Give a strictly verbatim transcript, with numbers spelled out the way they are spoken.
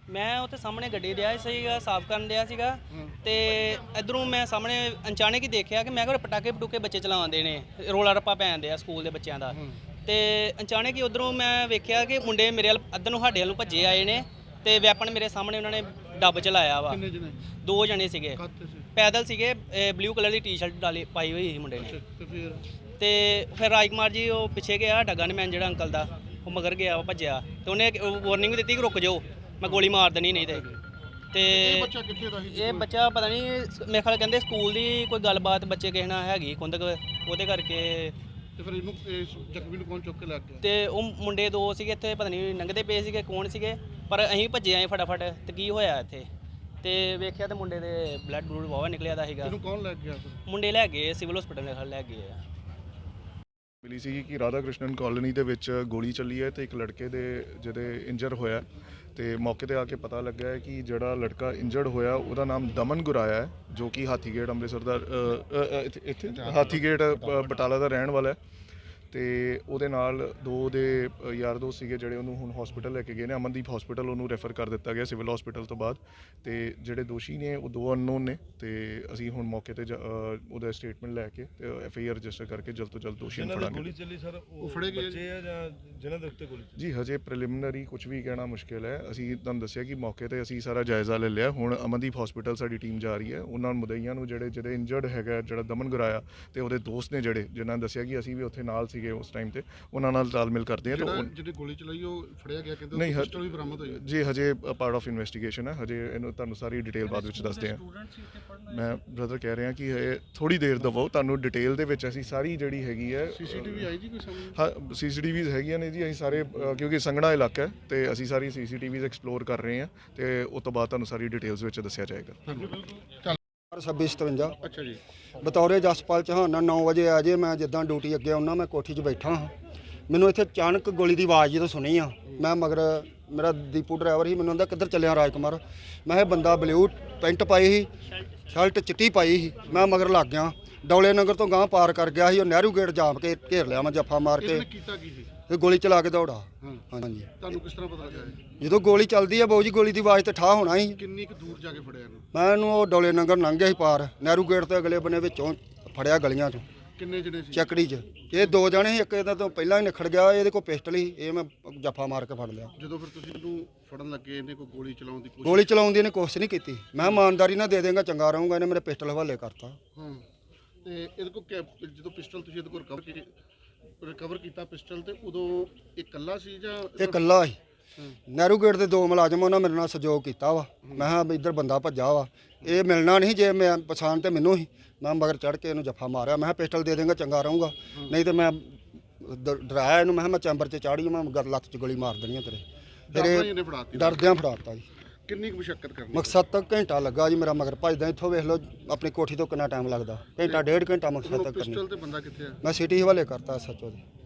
मैं उत्थे सामने गड्डी दिया सीगा साफ करन दिया सीगा ते इधरों मैं सामने अचानक ही देखा कि मैं कोई पटाके पटूके बच्चे चलाते ने रोला रप्पा पैन दिया स्कूल के बच्चों का ते अचानक ही उधरों मैं वेख्या कि मुंडे मेरे अद्धर नूं साडे वल्लों भज्जे आए ने ते वैपन मेरे सामने उन्होंने डब चलाया वा दो जने सीगे पैदल सीगे ब्लू कलर की टी शर्ट डाली पाई हुई मुंडे ने ते फिर राजकुमार जी वो पिछे गया डगन मैन जिहड़ा अंकल दा वो मगर गया वो भज्जिया ते उन्हें वार्निंग दी कि रुक जाओ मैं गोली मार देनी नहीं ते ये बच्चा पता नहीं मेरे ख्याल कहते स्कूल की कोई गलबात बच्चे किसी ना हैगी कुंदक वो करके ते वो मुंडे दो सीगे इत्थे पता नहीं लंघदे पे सीगे कौन सीगे पर असीं भज्जे आए फटाफट ते की होया इत्थे ते वेख्या ते मुंडे दे ब्लड ब्लूड वावा निकलिया दा सीगा मुंडे लै गए सिविल हॉस्पिटल मेरे ख्याल लै गए आ मिली सी कि राधा कृष्णन कॉलोनी ਦੇ ਵਿੱਚ ਗੋਲੀ ਚੱਲੀ ਹੈ ਤੇ ਇੱਕ ਲੜਕੇ ਦੇ ਜਿਹਦੇ ਇੰਜਰ ਹੋਇਆ ਤੇ ਮੌਕੇ ਤੇ ਆ ਕੇ ਪਤਾ ਲੱਗਾ ਹੈ ਕਿ ਜਿਹੜਾ ਲੜਕਾ ਇੰਜਰਡ ਹੋਇਆ ਉਹਦਾ ਨਾਮ ਦਮਨ ਗੁਰਾਇਆ ਹੈ ਜੋ ਕਿ ਹਾਥੀਗੇਟ ਅੰਮ੍ਰਿਤਸਰ ਦਾ ਇੱਥੇ ਹਾਥੀਗੇਟ ਬਟਾਲਾ ਦਾ ਰਹਿਣ ਵਾਲਾ ਹੈ ਤੇ ਉਹਦੇ ਨਾਲ ਦੋ ਦੇ ਯਾਰ ਦੋਸਤ ਸੀਗੇ ਜਿਹੜੇ ਉਹਨੂੰ ਹੁਣ ਹਸਪੀਟਲ ਲੈ ਕੇ ਗਏ ਨੇ ਅਮਨਦੀਪ ਹਸਪੀਟਲ ਉਹਨੂੰ ਰੈਫਰ ਕਰ ਦਿੱਤਾ ਗਿਆ ਸਿਵਲ ਹਸਪੀਟਲ ਤੋਂ ਬਾਅਦ ਤੇ ਜਿਹੜੇ ਦੋਸ਼ੀ ਨੇ ਉਹ ਦੋ ਅਨਨੋਨ ਨੇ ਤੇ ਅਸੀਂ ਹੁਣ ਮੌਕੇ ਤੇ ਉਹਦਾ ਸਟੇਟਮੈਂਟ ਲੈ ਕੇ ਤੇ ਐਫ ਆਈ ਆਰ ਰਜਿਸਟਰ ਕਰਕੇ ਜਲਦ ਤੋਂ ਜਲਦ ਦੋਸ਼ੀ ਨੂੰ ਫੜਾਂਗੇ। ਗੋਲੀ ਚੱਲੀ ਸਰ ਉਹ ਫੜੇ ਗਏ ਬੱਚੇ ਆ ਜਾਂ ਜਿਨ੍ਹਾਂ ਦੇ ਉੱਤੇ ਗੋਲੀ ਜੀ ਹਜੇ ਪ੍ਰੀਲਿਮਿਨਰੀ ਕੁਝ ਵੀ ਕਹਿਣਾ ਮੁਸ਼ਕਿਲ ਹੈ। ਅਸੀਂ ਤੁਹਾਨੂੰ ਦੱਸਿਆ ਕਿ ਮੌਕੇ ਤੇ ਅਸੀਂ ਸਾਰਾ ਜਾਇਜ਼ਾ ਲੈ ਲਿਆ। ਹੁਣ ਅਮਨਦੀਪ ਹਸਪੀਟਲ ਸਾਡੀ ਟੀਮ ਜਾ ਰਹੀ ਹੈ ਉਹਨਾਂ ਮੁਦਈਆਂ ਨੂੰ ਜਿਹੜੇ ਜਿਹੜੇ ਇੰਜਰਡ ਹੈਗਾ ਜਿਹੜਾ ਦਮਨ ਗੁਰਾਇਆ ਤੇ ਉਹਦੇ ਦੋਸਤ ਨੇ ਜਿਹੜੇ ਜਿਨ੍ਹਾਂ ਨੇ ਦੱਸਿਆ ਕਿ ਅਸੀਂ ਵੀ ਉੱਥੇ ਨਾਲ ਸੀਗੇ ਉਸ ਟਾਈਮ ਤੇ ਉਹਨਾਂ ਨਾਲ ਤਾਲਮੇਲ ਕਰਦੇ ਆ। ਤਾਂ ਜਿਹੜੀ ਗੋਲੀ ਚਲਾਈ ਉਹ ਫੜਿਆ ਗਿਆ ਕਹਿੰਦੇ ਨਹੀਂ ਪਿਸਟਲ ਵੀ ਬਰਾਮਦ ਹੋਈ ਜੀ ਹਜੇ ਪਾਰਟ ਆਫ ਇਨਵੈਸਟੀਗੇਸ਼ਨ ਹੈ। ਹਜੇ ਇਹਨੂੰ ਤੁਹਾਨੂੰ ਸਾਰੀ ਡਿਟੇਲ ਬਾਅਦ ਵਿੱਚ ਦੱਸਦੇ ਹਾਂ। ਮੈਂ ਬ੍ਰਦਰ ਕਹਿ ਰਿਹਾ ਕਿ ਇਹ ਥੋੜੀ ਦੇਰ ਦਵੋ ਤੁਹਾਨੂੰ ਡਿਟੇਲ ਦੇ ਵਿੱਚ ਅਸੀਂ ਸਾਰੀ ਜਿਹੜੀ ਹੈਗੀ ਹੈ ਸੀਸੀਟੀਵੀ ਆਈ ਜੀ ਕੋਈ ਸਾਹਮਣੇ ਹਾਂ ਸੀਸੀਟੀਵੀਜ਼ ਹੈਗੀਆਂ ਨੇ ਜੀ। ਅਸੀਂ ਸਾਰੇ ਕਿਉਂਕਿ ਸੰਘਣਾ ਇਲਾਕਾ ਹੈ ਤੇ ਅਸੀਂ ਸਾਰੀ ਸੀਸੀਟੀਵੀਜ਼ ਐਕਸਪਲੋਰ ਕਰ ਰਹੇ ਹਾਂ ਤੇ ਉਸ ਤੋਂ ਬਾਅਦ ਤੁਹਾਨੂੰ ਸਾਰੀ ਡਿਟੇਲਸ ਵਿੱਚ ਦੱਸਿਆ ਜਾਏਗਾ। ਛੱਬੀ ਸਤਵੰਜਾ ਅੱਛਾ ਜੀ ਬਤੌਰੇ ਜਸਪਾਲ ਚੌਹਾਨ ਨੌ ਵਜੇ ਆ ਜੇ ਮੈਂ ਜਿੱਦਾਂ ਡਿਊਟੀ ਅੱਗੇ ਆਉਣਾ ਮੈਂ ਕੋਠੀ 'ਚ ਬੈਠਾ ਹਾਂ ਮੈਨੂੰ ਇੱਥੇ ਅਚਾਨਕ ਗੋਲੀ ਦੀ ਆਵਾਜ਼ ਜਦੋਂ ਸੁਣੀ ਆ ਮੈਂ ਮਗਰ ਮੇਰਾ ਦੀਪੂ ਡਰਾਈਵਰ ਸੀ ਮੈਨੂੰ ਕਹਿੰਦਾ ਕਿੱਧਰ ਚੱਲਿਆ ਰਾਜਕੁਮਾਰ ਮੈਂ ਇਹ ਬੰਦਾ ਬਲੂ ਪੈਂਟ ਪਾਈ ਸੀ ਸ਼ਰਟ ਚਿੱਟੀ ਪਾਈ ਸੀ ਮੈਂ ਮਗਰ ਲੱਗ ਗਿਆ ਡੌਲੇ ਨਗਰ ਤੋਂ ਗਾਂਹ ਪਾਰ ਕਰ ਗਿਆ ਸੀ ਉਹ ਨਹਿਰੂ ਗੇਟ ਜਾਮ ਕੇ ਘੇਰ ਲਿਆ ਮੈਂ ਜੱਫਾ ਮਾਰ ਕੇ ਕੀਤਾ ਕੀ ਸੀ ਤੇ ਗੋਲੀ ਚਲਾ ਕੇ ਦੌੜਾ। ਹਾਂਜੀ ਤੁਹਾਨੂੰ ਕਿਸ ਤਰ੍ਹਾਂ ਪਤਾ ਲੱਗਾ ਜਦੋਂ ਗੋਲੀ ਚੱਲਦੀ ਆ ਬਾਊ ਜੀ ਗੋਲੀ ਦੀ ਆਵਾਜ਼ ਤੇ ਠਾ ਹੋਣਾ ਸੀ। ਕਿੰਨੀ ਕੁ ਦੂਰ ਜਾ ਕੇ ਫੜਿਆ ਇਹਨੂੰ ਮੈਂ ਇਹਨੂੰ ਉਹ ਡੌਲੇ ਨਗਰ ਲੰਘ ਗਿਆ ਸੀ ਪਾਰ ਨਹਿਰੂ ਗੇਟ ਤੋਂ ਅਗਲੇ ਬੰਨੇ ਵਿੱਚੋਂ ਫੜਿਆ ਗਲੀਆਂ 'ਚੋਂ ਕਿੰਨੇ ਜਣੇ ਸੀ ਚੱਕੜੀ 'ਚ ਇਹ ਦੋ ਜਣੇ ਸੀ ਇੱਕ ਇਹਦਾ ਤੋਂ ਪਹਿਲਾਂ ਹੀ ਨਿਖੜ ਗਿਆ ਇਹਦੇ ਕੋਲ ਪਿਸਟਲ ਸੀ ਇਹ ਮੈਂ ਜੱਫਾ ਮਾਰ ਕੇ ਫੜ ਲਿਆ। ਜਦੋਂ ਫਿਰ ਤੁਸੀਂ ਇਹਨੂੰ ਫੜਨ ਲੱਗੇ ਇਹਨੇ ਕੋਈ ਗੋਲੀ ਚਲਾਉਣ ਦੀ ਕੋਸ਼ਿਸ਼ ਗੋਲੀ ਚਲਾਉਣ ਦੀ ਇਹਨੇ ਕੋਸ਼ਿਸ਼ ਨਹੀਂ ਕੀਤੀ ਮੈਂ ਇਮਾਨਦਾਰੀ ਨਾਲ ਦੇ ਦੇਂਗਾ ਚੰਗਾ ਰਹੂੰਗਾ ਇਹਨੇ ਮੇਰੇ ਪਿਸਟਲ ਹਵਾਲੇ ਕਰਤਾ। ਹਾਂ ਤੇ ਇਹਦੇ ਕੋਲ ਜਦੋਂ ਪਿਸਟਲ ਤੁਸੀਂ ਇਹਦੇ ਕੋਲ ਰਿਕਵਰ ਕੀਤੀ ਰਿਕਵਰ ਕੀਤਾ ਪਿਸਟਲ ਤੇ ਉਦੋਂ ਇਹ ਇਕੱਲਾ ਸੀ ਜਾਂ ਇਹ ਇਕੱਲਾ ਸੀ। ਨਹਿਰੂ ਗੇਟ ਦੇ ਦੋ ਮੁਲਾਜ਼ਮ ਉਹਨਾਂ ਮੇਰੇ ਨਾਲ ਸਹਿਯੋਗ ਕੀਤਾ ਵਾ ਮੈਂ ਕਿਹਾ ਵੀ ਇੱਧਰ ਬੰਦਾ ਭੱਜਾ ਵਾ ਇਹ ਮਿਲਣਾ ਨਹੀਂ ਜੇ ਮੈਂ ਪਛਾਣ ਤੇ ਮੈਨੂੰ ਹੀ ਮੈਂ ਮਗਰ ਚੜ੍ਹ ਕੇ ਇਹਨੂੰ ਜੱਫਾ ਮਾਰਿਆ ਮੈਂ ਕਿਹਾ ਪਿਸਟਲ ਦੇ ਦੇਂਗਾ ਚੰਗਾ ਰਹੂੰਗਾ ਨਹੀਂ ਤੇ ਮੈਂ ਡਰਾਇਆ ਇਹਨੂੰ ਮੈਂ ਕਿਹਾ ਮੈਂ ਚੈਂਬਰ 'ਚ ਚਾੜੀ ਮੈਂ ਗਰ ਲੱਤ 'ਚ ਗੋਲੀ ਮਾਰ ਦੇਣੀ ਆ ਤੇਰੇ ਤੇਰੇ ਡਰਦਿਆਂ ਫੜਾਤਾ ਜੀ। ਕਿੰਨੀ ਕੁ ਮੁਸ਼ੱਕਤ ਕਰਨੀ ਮਕਸਦ ਤੱਕ ਘੰਟਾ ਲੱਗਾ ਜੀ ਮੇਰਾ ਮਗਰ ਭੱਜਦਾ ਇੱਥੋਂ ਵੇਖ ਲਓ ਆਪਣੀ ਕੋਠੀ ਤੋਂ ਕਿੰਨਾ ਟਾਈਮ ਲੱਗਦਾ ਘੰਟਾ ਡੇਢ ਘੰਟਾ ਮਕਸਦ ਤੱਕ ਕਰਨੀ। ਪਿਸਟਲ ਤੇ ਬੰਦਾ ਕਿੱਥੇ ਆ ਮੈਂ ਸਿਟੀ ਹਵਾਲੇ ਕਰਤਾ ਸੱਚੋ ਦੇ।